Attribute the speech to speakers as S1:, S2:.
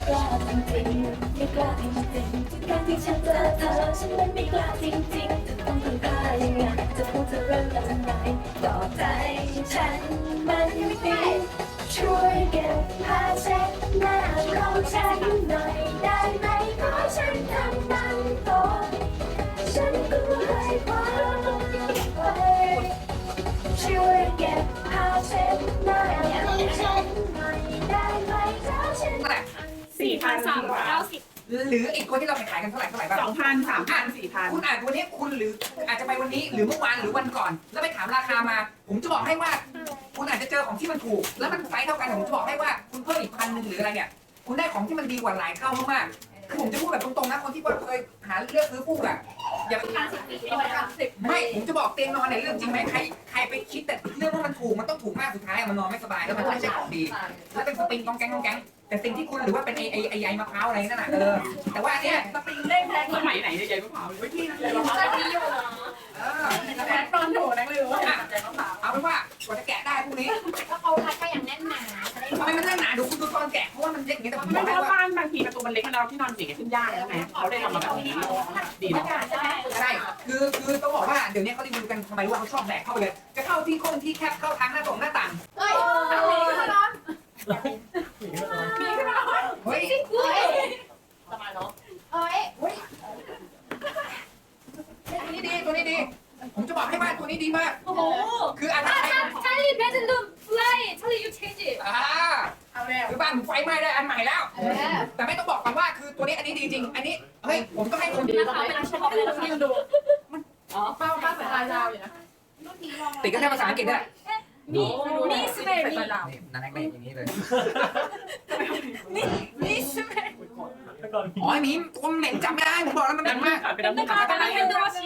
S1: กล้าจริงๆไม่กล้าจริงๆการที่ฉันเจอเธอฉันมันไม่กล้าจริงๆจะต้องทำกล้ายังไงจะพูดจะเริ่มยังไงต่อใจฉันมันดีช่วยเก็บผ้าเช็ดหน้าของฉันหน่อยได้ไหมขอฉันทำมันก่อนฉันก็ให้ความไปช่วยเก็บผ้าเช็ดหน้าของฉันหน่อยได้ไหมขอฉัน
S2: 4,390
S3: หรืออีกตัวที่เราไปขายกันเท่าไหร่บ้าง
S2: 2,000 3,000 4,000
S3: คุณอาจวันนี้คุณหรืออาจจะไปวันนี้หรือเมื่อวานหรือวันก่อน แล้วไปถามราคามา ผมจะบอกให้ว่า คุณอาจจะเจอของที่มันถูก แล้วมันไซส์เท่ากันผมจะบอกให้ว่าคุณเพิ่มอีก1,000หรืออะไรเนี่ยคุณได้ของที่มันดีกว่าหลายเท่ามากๆคือผมจะพูดแบบตรงๆนะคนที่ว่าเคยหาเลือกซื้อฟูกอะอย่าไปไม่ผมจะบอกเตียงนอนเนี่ยเรื่องจริงไหมใครไปคิดแต่เรื่องว่ามันถูกมันต้องถูกมากสุดท้ายมันนอนไม่สบายแล้วมันไม่ใช่ของดีแล้วเป็นสปริงกองแกงแต่สิ่งที่คุณหรือว่าเป็นไอใยมะพร้าวอะไรนั่นน่ะแต่ว่าเนี่ย
S2: สปริงเด้งแพงสมัยไหนเนี่ยยายมะพร้าวเลยที่ยายมะพร้าวที่อยู่แพงตอนโถนักเลยว่ายายมะพร้าว
S3: เอาเป็นว่ากว่าจะแกะได้พวกนี้
S1: ก็เขาคัดมาอย่างแน่นหนาจะได้
S3: ทำไมมันแน่นหนาดูคุณดูตอนแกะเพราะว่ามันเล็กอย่างนี้แต่ผมบ
S2: ไม่
S3: อก
S2: เพ
S3: ให้
S2: ราะ
S3: ว่า
S2: บ้านบางทีประตูมันเล็กเราที่นอนเสียขึ้นยากใช่ไหมเขาได้ทำมาแบบนี้ดีเนาะ
S3: ใช่คือต้องบอกว่าเดี๋ยวนี้เขารีวิวกันทำไมว่าเขาชอบแบกเข้าไปเลยจะเข้าที่โค้งที่แคบเข้าทางหน้าต่าง
S1: เฮ้ยมีขึ้นมานอนมีขึ้นมานอน
S3: เฮ้ย
S2: สบายเนาะ
S1: เฮ้ย
S3: ตัวนี้ดีผมจะบอกให้ว่าตัวนี้ดีมาก
S1: โอ้โห
S3: คืออะไร
S1: Charlie bedroom play Charlie you change it
S2: เอาแล้ว
S3: คือบ้านผมไฟไหม้ได้อันใหม่แล้ว แต่ไม่ต้องบอกกันว่าคือตัวนี้อันนี้ดีจริงอันนี้เฮ้ยผมต้องให้คน
S1: นะคะเป็นชอบเลยนะคะ
S2: ดูอ๋อป้าสายลายยาวอยู่นะ
S3: ติดก็แค่ภาษาอังกฤษได้
S1: มีสเปรย์
S2: สายลาว
S3: นี่นันแรกเลยอย่างนี้เลย
S1: มีสเปรย์
S3: อ๋อไอ้หมีตัวเหม็นจับไม่ได้ผมบอกแล้วมัน
S2: ดั
S3: ดั
S2: ง
S3: ง
S2: มาม
S3: าก ก
S2: เป็นน้ำมัน
S1: เป็นตัว